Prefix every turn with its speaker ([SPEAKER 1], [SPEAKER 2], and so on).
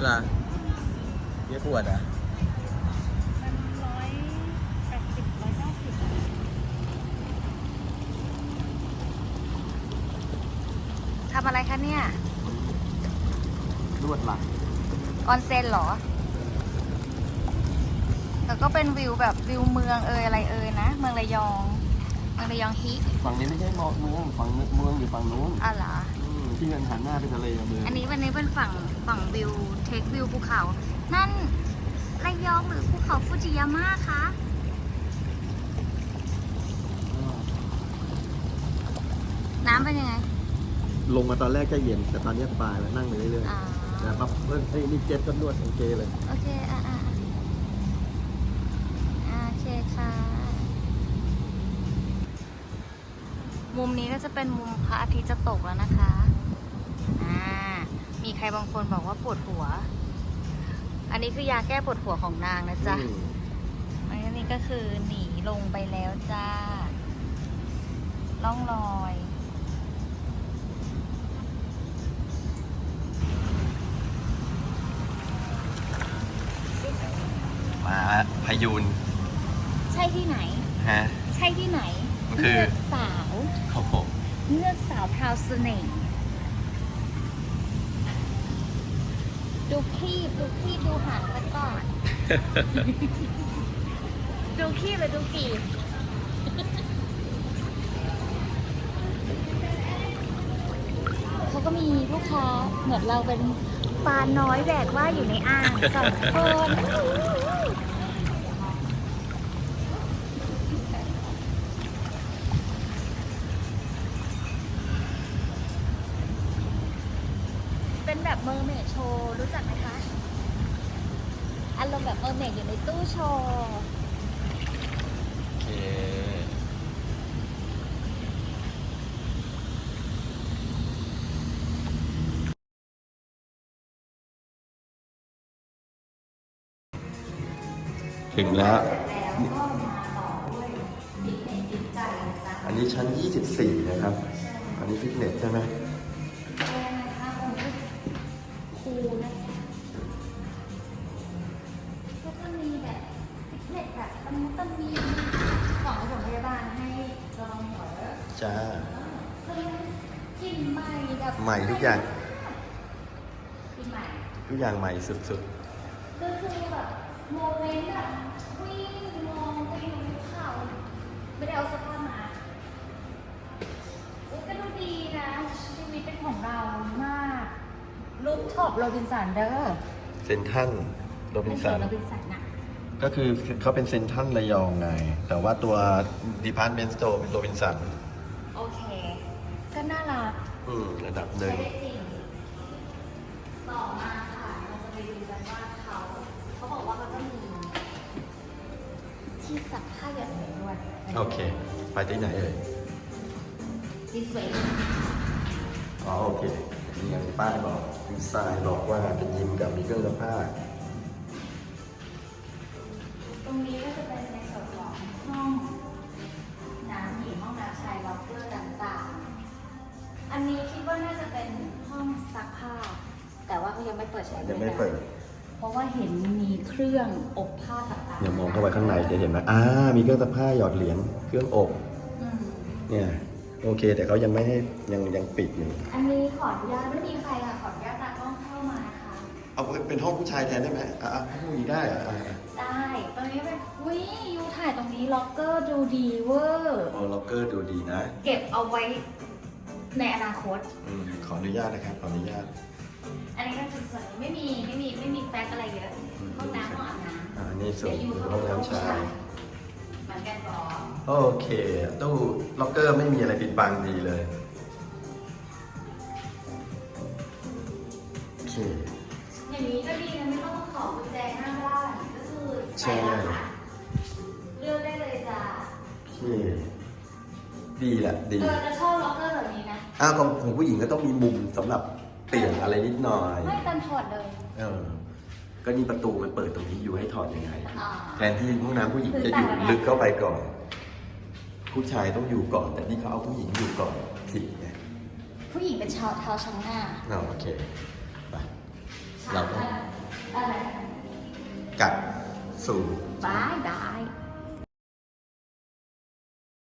[SPEAKER 1] เหรอเยอะขวดอ่ะ
[SPEAKER 2] มัน180 190ทำอะไรคะเนี่ย
[SPEAKER 1] นวดหลัง
[SPEAKER 2] ออนเซ็นเหรอ แล้วก็เป็นวิวแบบวิวเมืองอะไรนะ เมืองระยองฮิ
[SPEAKER 1] ฝั่งนี้ไม่ใช่เมืองฝั่งเมืองอยู่ฝั่งนู้น
[SPEAKER 2] อ๋อเหรอ
[SPEAKER 1] ที่เงินหันหน้าเป็นทะเลเมือง
[SPEAKER 2] วันนี้เป็นฝั่งวิวเทควิวภูเขา นั่นระยองหรือภูเขาฟูจิยาม่าคะ น้ำเป็นยังไง
[SPEAKER 1] ลงมาตอนแรกก็เย็นแต่ตอนนี้สบายแล้วนั่งไปเรื่อย
[SPEAKER 2] อ่า
[SPEAKER 1] ๆแต่ปั๊บนี่เจ็ตก็นวดโอเคเลย
[SPEAKER 2] โอเคโอเคค่ะ มุมนี้ก็จะเป็นมุมพระอาทิตย์จะตกแล้วนะคะ มีใครบางคนบอกว่าปวดหัว อันนี้คือยาแก้ปวดหัวของนางนะจ๊ะ อันนี้ก็คือหนีลงไปแล้วจ้า ล่องลอย
[SPEAKER 1] มาพายุน
[SPEAKER 2] ใช่ที่ไหน
[SPEAKER 1] ฮะ
[SPEAKER 2] ใช่ที่ไหน
[SPEAKER 1] คือ
[SPEAKER 2] เลือกสาว
[SPEAKER 1] โอ้โห
[SPEAKER 2] เลือกสาวพราวเสน่ห์ดูคลีบดูหางซะก่อน ดูคลีบหรือดูกีบเขาก็มีลูกค้าเหมือนเราเป็นปลาน้อยแบกว่ายอยู่ในอ่างสองคนเป็นแบบเมอร์เมดโชว์รู้จักไหมคะ อารมณ์แบบเมอร์เมดอยู่ในตู้โชว์
[SPEAKER 1] โอเคถึงแล้ว อันนี้ชั้น 24 นะครับ อันนี้ฟิตเนสใช่ไหม
[SPEAKER 2] ครูนะคะก็จะมีแบบฟิตเนสแบบต้องมีของผสมพยาบาลให้ลองหัว
[SPEAKER 1] จ้า
[SPEAKER 2] กลิ่นใหม่แบบ
[SPEAKER 1] ใหม่ทุกอย่าง
[SPEAKER 2] กลิ่นใหม่
[SPEAKER 1] ทุกอย่างใหม่สุด
[SPEAKER 2] ก็คือแบบโมเมนต์แบบวิ่งมองไปบนภูเขาไม่ได้เอาเสื้อผ้ามาก็ดูดีนะชีวิตเป็นของเรามากรูปท็อปโรบินสันเด้อ
[SPEAKER 1] ๆ เซนทรันโรบินสัน
[SPEAKER 2] โรบินสันอะ
[SPEAKER 1] ก็คือเขาเป็นเซนทรันระยองไง แต่ว่าตัว Department Store เป็นโรบินสัน
[SPEAKER 2] โอเค ก็น่ารัก
[SPEAKER 1] ระดับหนึ่ง
[SPEAKER 2] ใช้ได้จริง ต่อมาค่ะเราจะไปดูกันว่าเขาบอกว่าเขาจะมีที่ซักผ้าหยอดเหรียญด้วย
[SPEAKER 1] โอเค ไปที่ไหนเอ่ย
[SPEAKER 2] This way
[SPEAKER 1] อ๋อโอเคมีอย่างป้ายบอกดีไซน์บอกว่าเป็นยิมกับมีเครื่องซักผ้า
[SPEAKER 2] ตรงนี้ก็จะเป็นในส่วนของห้องน้ำหญิงห้องน้ำชายล็อกเกอร์ต่างๆ อันนี้คิดว่าน่าจะเป็นห้องซักผ้า แต่ว่าเขายังไม่เปิดใช้บริการ
[SPEAKER 1] ยังไม่เปิด
[SPEAKER 2] เพราะว่าเห็นมีเครื่องอบผ้าต่างๆ
[SPEAKER 1] อย่ามองเข้าไปข้างในจะเห็นไหมมีเครื่องซักผ้าหยอดเหรียญ เครื่องอบ
[SPEAKER 2] อืม
[SPEAKER 1] เนี่ย โอเค แต่เขายังไม่ให้ยังปิดอยู่
[SPEAKER 2] อันนี้ขออนุญาตไม่มีใครค่ะขออนุญาตตากล้องเข้ามานะคะ
[SPEAKER 1] เอาเป็นห้องผู้ชายแทนได้ไหมให้ผู้หญิงได้เหรอ
[SPEAKER 2] ได้ ตรงนี้เป็นยูถ่ายตรงนี้ล็อกเกอร์ดูดีเวอร์
[SPEAKER 1] โอ้ล็อกเกอร์ดูดีนะ
[SPEAKER 2] เก็บเอาไว้ในอนาคต
[SPEAKER 1] ขออนุญาตนะครับ ขออนุญาต
[SPEAKER 2] อันนี้ก็คือส่วนนี้ไม่มีแฟกอะไรเยอะ ห้องน้ำห้องอาบน้ำ
[SPEAKER 1] อันนี้ส่วนห้องน้ำชาย
[SPEAKER 2] เหมือนกันก่อน
[SPEAKER 1] โอเค ตู้ล็อกเกอร์ไม่มีอะไรปิดบังดีเลย โอเค
[SPEAKER 2] อย่างนี้ก็ดีนะไม่ต้องขอกุญแจหน้าบ้านก็คือใส่รหัสเลือกได้เลยจ้า
[SPEAKER 1] โอเค ดีแหละ ดี
[SPEAKER 2] จะชอบล็อกเกอร์แบบนี้นะ
[SPEAKER 1] ของผู้หญิงก็ต้องมีมุมสำหรับเปลี่ยนอะไรนิดหน่อย
[SPEAKER 2] ไม่ตันถอดเลย
[SPEAKER 1] ก็นี่ประตูมันเปิดตรงนี้อยู่ให้ถอดยังไง
[SPEAKER 2] อ่า
[SPEAKER 1] แทนที่ห้องน้ำผู้หญิงจะอยู่ลึกเข้าไปก่อน ผู้ชายต้องอยู่ก่อน แต่นี่เขาเอาผู้หญิงอยู่ก่อนผิดไง
[SPEAKER 2] ผู้หญิงเป็นชาวเท้าช่างหน้า
[SPEAKER 1] โอเค ไป เราก็
[SPEAKER 2] ช
[SPEAKER 1] สู่
[SPEAKER 2] บายบาย